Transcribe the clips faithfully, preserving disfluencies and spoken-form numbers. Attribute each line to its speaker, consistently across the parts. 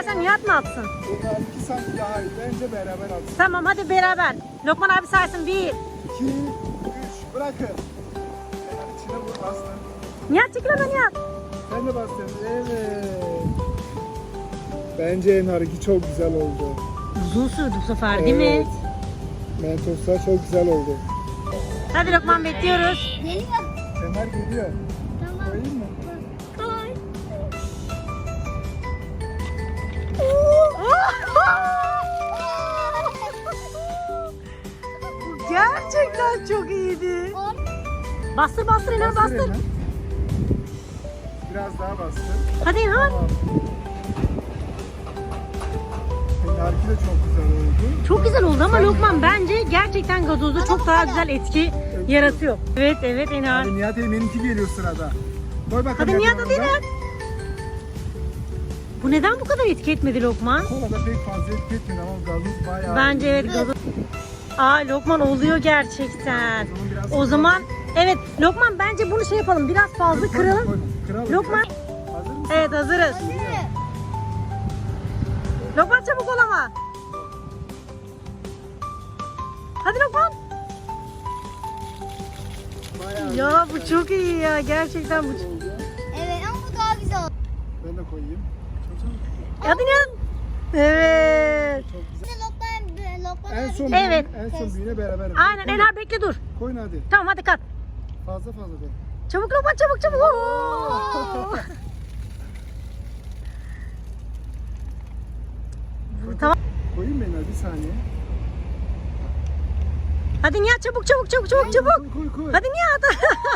Speaker 1: Sen Nihat mı atsın?
Speaker 2: Bunlar iki santim daha iyi. Bence beraber atsın.
Speaker 1: Tamam hadi beraber. Lokman abi saysın. Bir.
Speaker 2: İki, üç, bırakın. Hemen içine vur, bastın.
Speaker 1: Nihat çekil oradan Nihat.
Speaker 2: Sen de bastın. Evet. Bence Enhar'ınki çok güzel oldu.
Speaker 1: Uzun sürdü bu sefer değil
Speaker 2: Evet.
Speaker 1: mi?
Speaker 2: Mentoslar çok güzel oldu.
Speaker 1: Hadi Lokman bekliyoruz.
Speaker 3: Geliyor.
Speaker 2: Enhar geliyor.
Speaker 3: Tamam.
Speaker 2: Koyayım mı?
Speaker 3: Koy.
Speaker 1: Gerçekten çok iyiydi. Bastır bastır Enhar bastır.
Speaker 2: Enhar. Biraz daha bastır.
Speaker 1: Hadi Enhar.
Speaker 2: Tamam. Enhar'ınki de çok güzel oldu.
Speaker 1: Çok güzel oldu ama Lokman bence gerçekten gazozda çok daha güzel etki yaratıyor. Evet evet Enhar.
Speaker 2: Hadi Nihat Eymen'inki geliyor sırada. Koy bakalım.
Speaker 1: Hadi Nihat hadi
Speaker 2: yanına.
Speaker 1: Enhar. Bu neden bu kadar etki etmedi Lokman?
Speaker 2: Kolada pek fazla etki etmiyor ama gazoz bayağı.
Speaker 1: Bence
Speaker 2: iyi.
Speaker 1: evet gazoz. Aa Lokman oluyor gerçekten.
Speaker 2: O zaman biraz
Speaker 1: O zaman evet Lokman bence bunu şey yapalım biraz fazla
Speaker 2: Koyma,
Speaker 1: kıralım.
Speaker 2: koyma. Kıralım
Speaker 1: Lokman.
Speaker 2: biraz. Hazır mısın?
Speaker 1: Evet hazırız. Lokman çabuk ol ama. Hadi Lokman.
Speaker 2: Bayağı
Speaker 1: Ya bu çok iyi ya gerçekten bu.
Speaker 2: oldu.
Speaker 3: Evet ama bu daha güzel oldu.
Speaker 2: Ben de koyayım. Çok çok
Speaker 1: Hadi Nihat. Evet.
Speaker 2: çok güzel.
Speaker 3: Şimdi Lokman, Lokman
Speaker 2: En
Speaker 3: abi-
Speaker 2: son
Speaker 1: Evet.
Speaker 2: büyüğüne, en son büyüğüne beraber.
Speaker 1: Aynen
Speaker 2: Koy-
Speaker 1: Enhar bekle dur.
Speaker 2: Koyun hadi.
Speaker 1: Tamam hadi kat.
Speaker 2: Fazla fazla koy.
Speaker 1: Çabuk Lokman çabuk çabuk. Oo. Tamam.
Speaker 2: Koyayım ben bir saniye.
Speaker 1: Hadi Nihat çabuk çabuk çabuk çabuk çabuk.
Speaker 2: Koy koy koy.
Speaker 1: Hadi Nihat.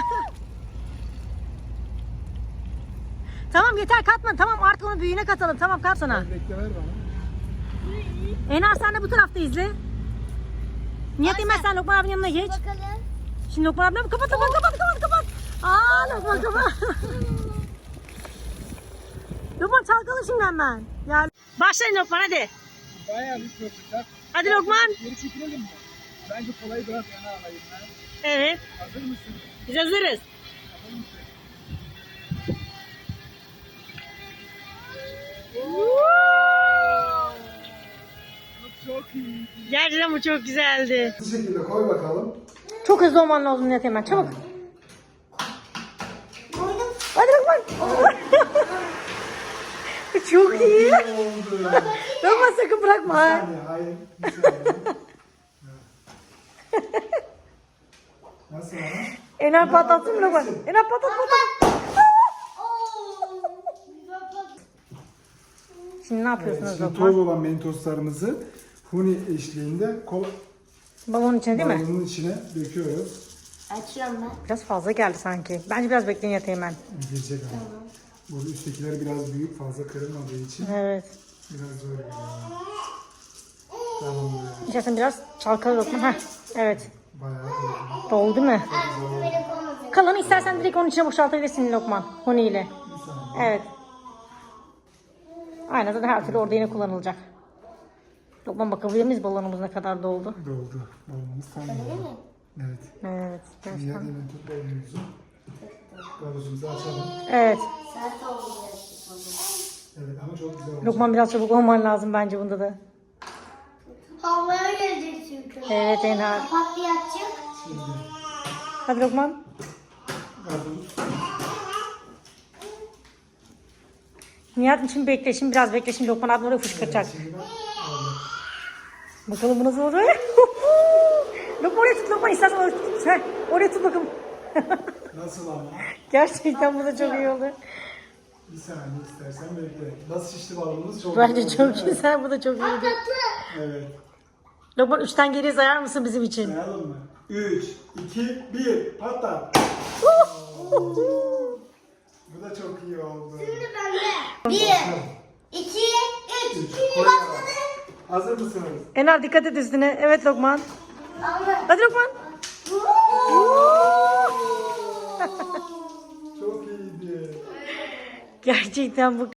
Speaker 1: Tamam yeter katma. Tamam artık onu büyüğüne katalım. Tamam kat sana.
Speaker 2: Bekle ver bana.
Speaker 1: Enar sen de bu tarafta izle. Nihat Emel sen Lokman abinin yanına geç.
Speaker 3: Bakalım.
Speaker 1: Şimdi Lokman abine kapat kapat kapat kapat kapat. Aa Lokman kapat. Lokman çalkala şimdi hemen. Ya. Başlayın Lokman hadi.
Speaker 2: Bayağı bir profiter.
Speaker 1: Hadi Lokman.
Speaker 2: Geri çekilelim mi? Bence kolayı biraz yana alayım ben.
Speaker 1: Evet.
Speaker 2: Hazır mısın?
Speaker 1: Biz hazırız.
Speaker 2: Hazır mısın? Çok iyi.
Speaker 1: Gerçekten bu çok güzeldi.
Speaker 2: Bu şekilde koy bakalım.
Speaker 1: Çok hızlı olman lazım Nihat Emel. Çabuk. Hadi Lokman. Çok iyi.
Speaker 2: Oldu.
Speaker 1: Lokman sakın bırakma.
Speaker 2: Bir saniye, hayır. Bir saniye. Nasıl ama?
Speaker 1: Enar patlatsın mı Lokman? Enar patlat patlat. Şimdi ne yapıyorsunuz
Speaker 2: Şimdi
Speaker 1: Lokman?
Speaker 2: toz olan mentoslarımızı huni eşliğinde kol
Speaker 1: Balonun içine değil mi?
Speaker 2: balonun içine döküyoruz.
Speaker 3: Açıyorum ben.
Speaker 1: Biraz fazla geldi sanki. Bence biraz bekleyin yatayım ben.
Speaker 2: Girecek ama. Bu üsttekiler biraz büyük, fazla kırılmadığı için
Speaker 1: Evet.
Speaker 2: biraz zor geliyor. Tamam böyle.
Speaker 1: İstersen biraz çalkala Lokman. Heh. Evet.
Speaker 2: Bayağı iyi.
Speaker 1: Doldu mu? Kalanı istersen direkt onun içine boşaltabilirsin Lokman. Huni ile.
Speaker 2: Bir saniye.
Speaker 1: Evet. Aynen zaten her türlü orada yine kullanılacak. Lokman bakabilir miyiz balonumuz ne kadar doldu?
Speaker 2: Doldu. Balonumuz tam doldu. Evet.
Speaker 1: Evet.
Speaker 2: Diğer
Speaker 1: Gerçekten.
Speaker 2: hemen tut balonumuzu. Gavuzumuzu açalım.
Speaker 1: Evet.
Speaker 2: Evet ama çok güzel oldu.
Speaker 1: Lokman biraz çabuk olman lazım bence bunda da.
Speaker 3: Havaya gelecek çünkü.
Speaker 1: Evet Enhar.
Speaker 3: Patlayacak.
Speaker 2: Şimdi
Speaker 1: Hadi Lokman.
Speaker 2: gavuz.
Speaker 1: Nihat için bekle şimdi biraz bekle şimdi Lokman abi oraya fışkıracak.
Speaker 2: Şimdi ben aldım.
Speaker 1: Bakalım bu nasıl olacak? Lokman oraya tut Lokman istersen oraya tut. Sen oraya tut bakalım.
Speaker 2: Nasıl ama?
Speaker 1: Gerçekten bu da çok iyi oldu.
Speaker 2: Bir saniye istersen bekle. Nasıl şişti balonumuz çok
Speaker 1: Bence
Speaker 2: güzel
Speaker 1: çok
Speaker 2: oldu.
Speaker 1: güzel bu da çok iyiydi.
Speaker 2: Evet.
Speaker 1: Lokman üçten geriye sayar mısın bizim için?
Speaker 2: Sayalım mı? üç, iki, bir, patla. Bu da çok iyi oldu.
Speaker 3: Şimdi bende. Bir, iki, üç.
Speaker 2: Üç, koy bakalım. Hazır mısınız?
Speaker 1: Enhar dikkat et üstüne. Evet Lokman.
Speaker 3: Allah.
Speaker 1: Hadi Lokman.
Speaker 2: Çok iyiydi.
Speaker 1: Gerçekten bu